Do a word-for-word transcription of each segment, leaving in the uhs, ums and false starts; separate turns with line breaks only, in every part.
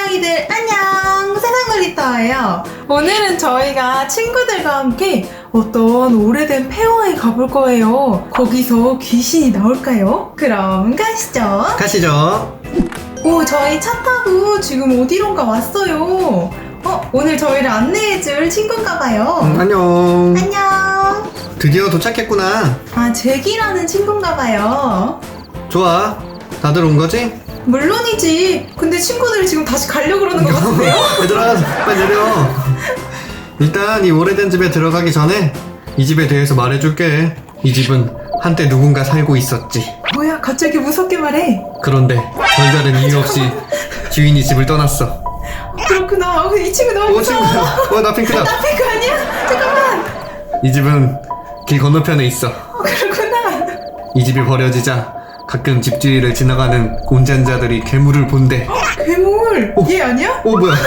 아이들 안녕, 세상놀이터예요. 오늘은 저희가 친구들과 함께 어떤 오래된 폐허에 가볼 거예요. 거기서 귀신이 나올까요? 그럼 가시죠.
가시죠.
오, 저희 차 타고 지금 어디론가 왔어요. 어, 오늘 저희를 안내해줄 친구인가 봐요.
음, 안녕.
안녕.
드디어 도착했구나.
아, 잭이라는 친구인가 봐요.
좋아. 다들 온 거지?
물론이지. 근데 친구들이 지금 다시 가려고 그러는 것 같은데요?
얘들아, 빨리 내려. 일단 이 오래된 집에 들어가기 전에 이 집에 대해서 말해줄게. 이 집은 한때 누군가 살고 있었지.
뭐야, 갑자기 무섭게 말해.
그런데 별다른 이유 없이 주인이 집을 떠났어.
그렇구나. 어, 이 친구 너무
오, 친구야.
무서워.
어, 나 핑크다.
나 핑크 아니야? 잠깐만.
이 집은 길 건너편에 있어.
어, 그렇구나.
이 집이 버려지자 가끔 집주위를 지나가는 운전자들이 괴물을 본대.
괴물.
오.
얘 아니야?
오, 뭐야.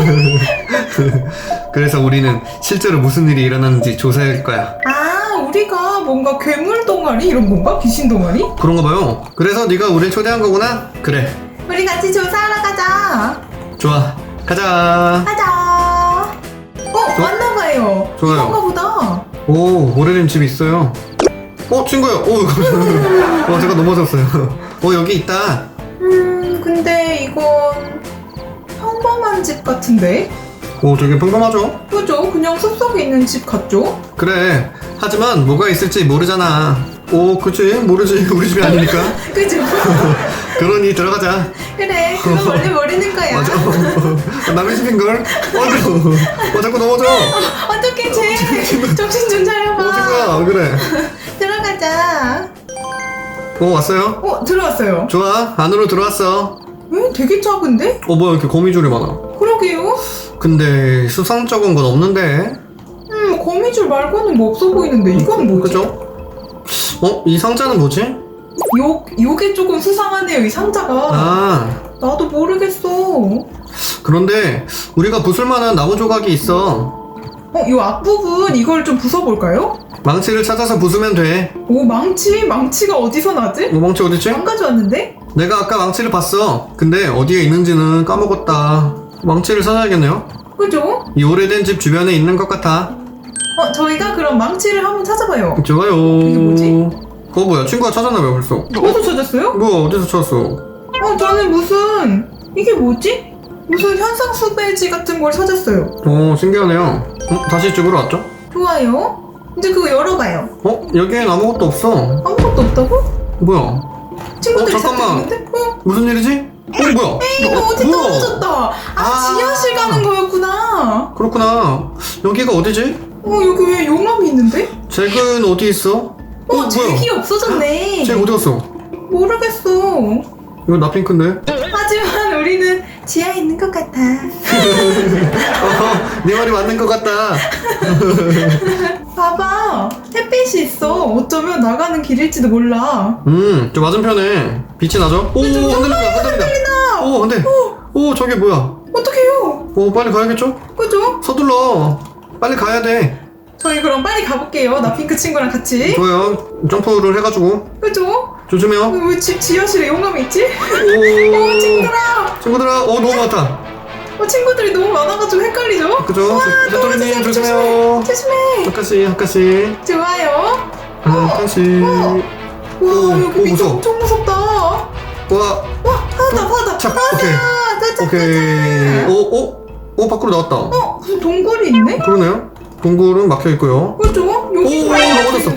그래서 우리는 실제로 무슨 일이 일어났는지 조사할 거야.
아, 우리가 뭔가 괴물 동아리 이런 건가? 귀신 동아리?
그런가 봐요. 그래서 네가 우릴 초대한 거구나? 그래.
우리 같이 조사하러 가자.
좋아. 가자.
가자. 어,
좋-
왔나 봐요.
좋아요.
이건가 보다.
오, 오래된 집이 있어요. 어, 친구야. 오, 어, 제가 넘어졌어요. 어, 여기 있다.
음, 근데 이건 평범한 집 같은데?
오, 되게 평범하죠?
그죠? 그냥 숲속에 있는 집 같죠?
그래. 하지만 뭐가 있을지 모르잖아. 오, 그치? 모르지. 우리 집이 아니니까.
그죠?
그러니 들어가자.
그래, 그거 원래 모르는 거야.
맞아. 어, 남의 집인걸? 어, 어, 자꾸 넘어져.
어떡해, 쟤. 정신 좀 차려봐.
어, 친구야. 그래.
들어가자.
어, 왔어요?
어, 들어왔어요.
좋아. 안으로 들어왔어.
왜? 되게 작은데?
어, 뭐야. 이렇게 거미줄이 많아.
그러게요.
근데 수상쩍은 건 없는데.
음, 거미줄 말고는 뭐 없어 보이는데 이건 뭐지?
그죠? 어? 이 상자는 뭐지?
요, 요게 조금 수상하네요, 이 상자가.
아,
나도 모르겠어.
그런데 우리가 부술만한 나무 조각이 있어.
어, 요 앞부분 이걸 좀 부숴볼까요?
망치를 찾아서 부수면 돼.
오, 망치? 망치가 어디서 나지?
뭐 망치 어딨지?
안 가져왔는데?
내가 아까 망치를 봤어. 근데 어디에 있는지는 까먹었다. 망치를 찾아야겠네요.
그죠?
이 오래된 집 주변에 있는 것 같아.
어, 저희가 그럼 망치를 한번 찾아봐요.
좋아요.
이게 뭐지?
그거 뭐야? 친구가 찾았나봐요 벌써.
어디서 찾았어요?
뭐야? 어디서 찾았어?
어, 저는 무슨, 이게 뭐지? 무슨 현상 수배지 같은 걸 찾았어요.
오, 신기하네요. 어? 다시 집으로 왔죠?
좋아요. 이제 그거 열어봐요.
어? 여기엔 아무것도 없어.
아무것도 없다고?
뭐야?
친구들이
어, 잠깐만.
찾았는데? 어?
무슨 일이지? 어, 뭐야?
이거 어디
뭐야?
떨어졌다. 아,
아.
지하실 가는 거였구나.
그렇구나. 여기가 어디지?
어, 여기 왜 용암이 있는데?
잭은 어디 있어?
어, 잭이 없어졌네.
잭 어디 갔어?
모르겠어.
이거 나 핑크인데?
하지만 우리는 지하에 있는 것 같아.
어, 네 말이 맞는 것 같다.
봐봐. 햇빛이 있어. 어쩌면 나가는 길일지도 몰라.
음, 저 맞은편에 빛이 나죠? 오, 흔들린다, 흔들린다. 오, 근데, 오, 저게 뭐야?
어떡해요?
오, 빨리 가야겠죠?
그죠?
서둘러. 빨리 가야 돼.
저희 그럼 빨리 가볼게요. 나 핑크 친구랑 같이.
좋아요. 점프를 해가지고.
그죠?
조심해요.
왜 집 지하실에 용암이 있지?
오,
어, 친구들아.
친구들아, 오, 너무 많다.
어, 친구들이 너무 많아가지고 헷갈리죠?
그죠?
우와,
도토리님,
조심해,
조심해요.
조심해.
한 칸씩, 한 칸씩.
좋아요.
한 칸씩.
와,
오,
여기
오,
밑에
무서워.
엄청 무섭다. 와,
와,
하다, 하다.
자,
하다.
오케이.
가자,
오케이.
가자.
오, 오, 오, 밖으로 나왔다.
어, 무슨 동굴이 있네?
그러네요. 동굴은 막혀 있고요.
그죠?
오,
여기
넘어졌어.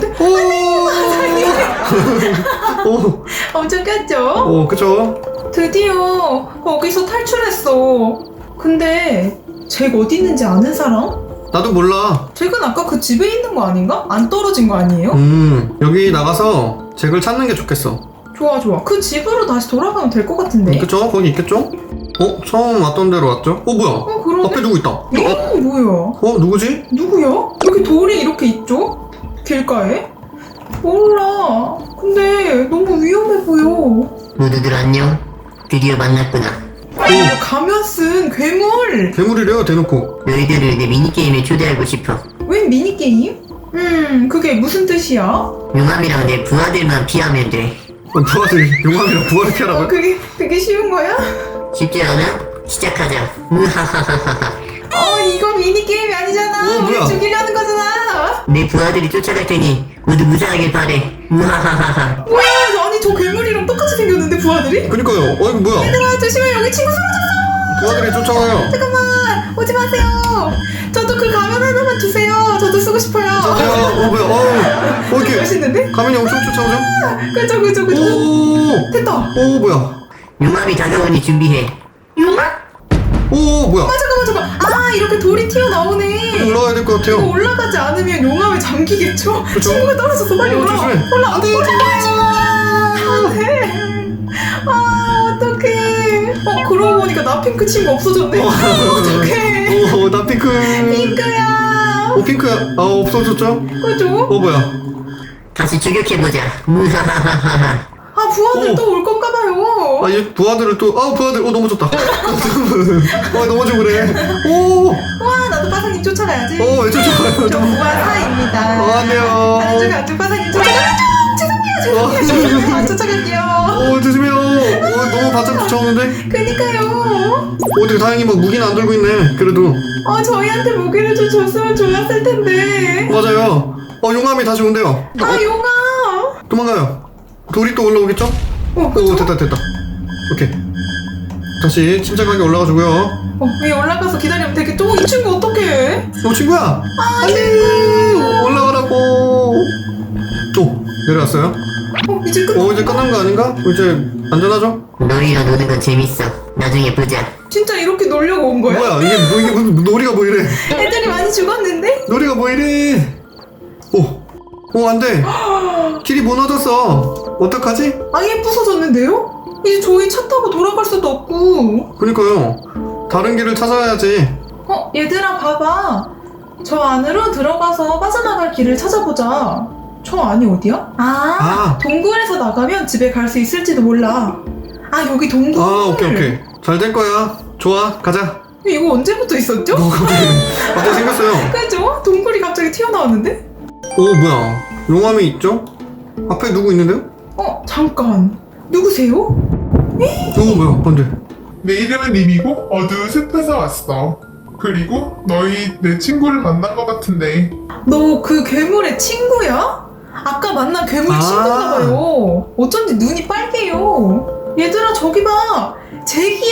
오, 오,
엄청 꼈죠?
오, 그쵸?
드디어 거기서 탈출했어. 근데 잭 어디 있는지 아는 사람?
나도 몰라.
잭은 아까 그 집에 있는 거 아닌가? 안 떨어진 거 아니에요?
음, 여기 나가서 잭을 찾는 게 좋겠어.
좋아 좋아. 그 집으로 다시 돌아가면 될 것 같은데.
그쵸? 거기 있겠죠? 어? 처음 왔던 데로 왔죠? 어, 뭐야?
어 그러네.
앞에 누구 있다.
어 뭐야?
어, 누구지?
누구야? 여기 돌이 이렇게 있죠? 길가에? 몰라. 근데 너무 위험해 보여.
모두들 안녕. 드디어 만났구나.
이거 가면 쓴 괴물.
괴물이래요, 대놓고.
너희들을 내 미니게임에 초대하고 싶어.
웬 미니게임? 음 그게 무슨 뜻이야?
용암이랑 내 부하들만 피하면 돼.
어, 부하들, 용암이랑 부하를
어
피하라고요?
그게 그게 쉬운 거야?
쉽지 않아? 시작하자. 무하하하하.
어 이거 미니게임이 아니잖아.
어,
우리
뭐야?
죽이려는 거잖아.
내 부하들이 쫓아갈 테니 모두 무사하길 바래. 무하하하하.
뭐야 아니 저 괴물이랑 똑같이 생겼는데 부하들이?
그니까요. 어 이거 뭐야?
얘들아 조심해 여기 친구 사라졌어.
부하들이 쫓아와요.
잠깐만 오지 마세요. 저도 그 가면 하나만 주세요. 저도 쓰고 싶어요.
저도요. 어 뭐야? 어, 어 이렇게
멋있는데?
가면이 엄청 쫓아오죠?
그죠 그죠 그죠.
오,
됐다.
오 뭐야?
용암이 다가오니 준비해.
오 뭐야?
아 잠깐만 잠깐만. 아 이렇게 돌이 튀어나오네.
올라가야 될 것
이거
같아요.
올라가지 않으면 용암에 잠기겠죠?
그쵸?
친구가 떨어졌어 빨리
어,
올라와.
조심해.
올라와.
안 돼,
안돼. 아 어떡해. 어 그러고 보니까 나 핑크 친구 없어졌네. 어떡해.
오, 나 핑크.
핑크야.
오 핑크야. 아 없어졌죠?
그죠?
어 뭐야?
다시 추격해보자. 무하하하하.
아 부하들
오.
또 올 건가 봐요.
아, 얘 부하들을 또, 아, 부하들, 어, 넘어졌다. 아, 넘어져 그래. 오,
와 나도 빠사님 쫓아가야지.
어, 왜 쫓아가요?
저 부하사입니다.
어, 안 돼요.
다른 쪽에 안쪽 빠사님 쫓아가야죠. 죄송해요 죄송해요. 죄송해요. 안 쫓아갈게요.
어, 조심해요. 어, 너무 바짝 쫓아오는데?
그니까요.
어떻게 다행히 뭐 무기는 안 들고 있네. 그래도.
어 저희한테 무기를 좀 줬으면 좋았을 텐데.
맞아요. 어, 용암이 다시 온대요.
아
어,
용아.
도망가요. 돌이 또 올라오겠죠?
어,
오,
그쵸?
됐다, 됐다. 오케이. 다시 침착하게 올라가주고요.
어, 위에 올라가서 기다리면 되겠죠? 어, 이 친구 어떡해?
어, 친구야!
아,
안 돼! 올라가라고! 오, 내려왔어요.
어, 이제 끝.
어, 이제 끝난 거 아닌가? 이제 안전하죠?
너희랑 노는 건 재밌어. 나중에 보자.
진짜 이렇게 놀려고 온 거야?
뭐야, 이게, 뭐, 이게 무슨 놀이가 뭐 이래?
애들이 많이 죽었는데?
놀이가 뭐 이래? 오, 오, 안 돼. 길이 무너졌어. 어떡하지?
아예 부서졌는데요? 이제 저희 차 타고 돌아갈 수도 없고.
그러니까요. 다른 길을 찾아야지.
어, 얘들아 봐봐. 저 안으로 들어가서 빠져나갈 길을 찾아보자. 저 안이 어디야? 아,
아.
동굴에서 나가면 집에 갈 수 있을지도 몰라. 아, 여기 동굴.
아, 오케이, 오케이. 잘 될 거야. 좋아, 가자.
이거 언제부터 있었죠?
어, 갑자기, 갑자기 생겼어요.
그죠? 동굴이 갑자기 튀어나왔는데?
오, 뭐야. 용암이 있죠? 앞에 누구 있는데요?
어, 잠깐. 누구세요?
오, 뭐야, 안 돼.
내 이름은 림이고 어두운 숲에서 왔어. 그리고 너희 내 친구를 만난 것 같은데
너 그 괴물의 친구야? 아까 만난 괴물
아.
친구인가 봐요. 어쩐지 눈이 빨개요. 얘들아 저기 봐. 잭이야.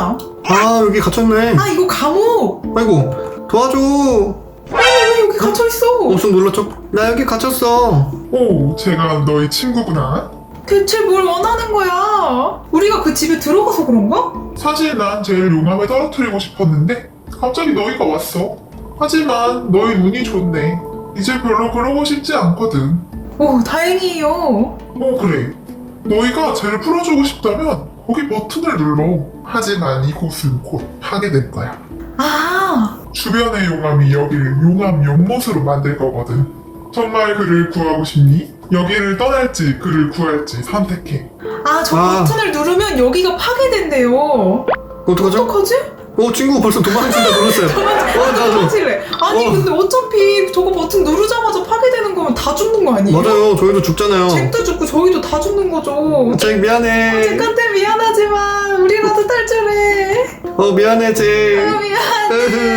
아, 여기 갇혔네.
아 이거 감옥.
아이고, 도와줘.
아니 왜 여기 갇혀 있어?
엄청 놀랐죠? 나 여기 갇혔어.
오, 제가 너희 친구구나.
대체 뭘 원하는 거야? 우리가 그 집에 들어가서 그런가?
사실 난 제일 용암에 떨어뜨리고 싶었는데 갑자기 너희가 왔어. 하지만 너희 운이 좋네. 이제 별로 그러고 싶지 않거든.
오 다행이에요.
오, 그래. 너희가 쟤를 풀어주고 싶다면 거기 버튼을 눌러. 하지만 이곳은 곧 파괴될 거야.
아
주변의 용암이 여기를 용암 연못으로 만들 거거든. 정말 그를 구하고 싶니? 여기를 떠날지 그를 구할지 선택해.
아, 저
아.
버튼을 누르면 여기가 파괴된대요.
어떡하죠?
어떡하지?
어, 친구 벌써 도망친다 그랬어요. 어, 나도.
도망칠래. 아니
어.
근데 어차피 저거 버튼 누르자마자 파괴되는 거면 다 죽는 거 아니에요?
맞아요. 저희도 죽잖아요.
잭도 죽고 저희도 다 죽는 거죠.
잭 미안해.
잭한테 미안하지만 우리라도 탈출해.
어, 미안해, 잭.
아, 미안해.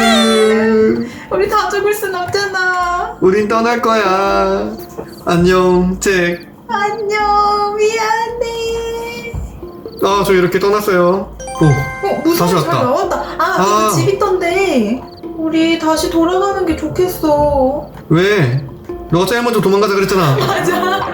으흐.
우리 다 죽을 순 없잖아.
우린 떠날 거야. 안녕, 잭.
안녕. 미안해.
아, 저 이렇게 떠났어요. 오,
어 무서워
다시
잘
왔다.
나왔다. 아,
아.
그 집 있던데. 우리 다시 돌아가는 게 좋겠어.
왜? 너가 제일 먼저 도망가자 그랬잖아.
맞아.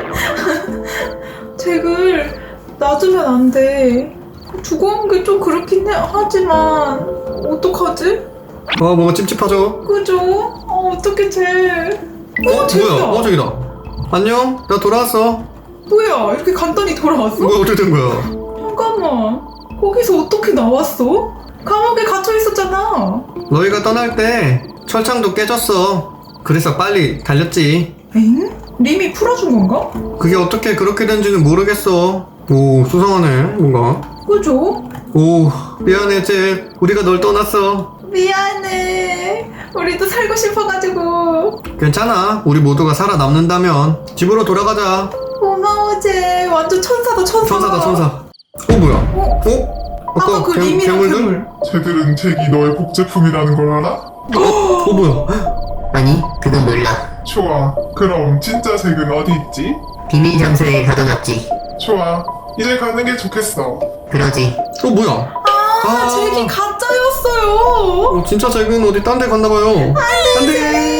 잭을 놔두면 안 돼. 죽어온 게 좀 그렇긴 해. 하지만 어떡하지?
아, 뭔가 찝찝하죠?
그죠? 어 어떡해 잭.
어,
어 잭이다.
뭐야? 어, 저기다. 안녕, 나 돌아왔어.
뭐야 이렇게 간단히 돌아왔어?
뭐야, 어떻게 된 거야?
잠깐만. 거기서 어떻게 나왔어? 감옥에 갇혀 있었잖아.
너희가 떠날 때 철창도 깨졌어. 그래서 빨리 달렸지.
엥? 림이 풀어준 건가?
그게 어떻게 그렇게 된지는 모르겠어. 오, 수상하네, 뭔가.
그죠?
오, 미안해, 잭. 우리가 널 떠났어.
미안해. 우리도 살고 싶어가지고.
괜찮아. 우리 모두가 살아남는다면 집으로 돌아가자.
고마워 잭. 완전 천사다 천사.
천사다, 천사. 어, 뭐야?
어?
어?
아까 그
괴-
님이랑
괴물들?
괴물.
쟤들은 잭이 너의 복제품이라는 걸 알아?
어, 어 뭐야?
아니, 그건 몰라.
좋아. 그럼 진짜 잭은 어디 있지?
비밀 장소에 가둬놨지.
좋아. 이제 가는 게 좋겠어.
그러지.
어 뭐야?
아, 잭이 가짜였어요.
어, 진짜 잭은 어디 딴 데 갔나봐요. 안돼.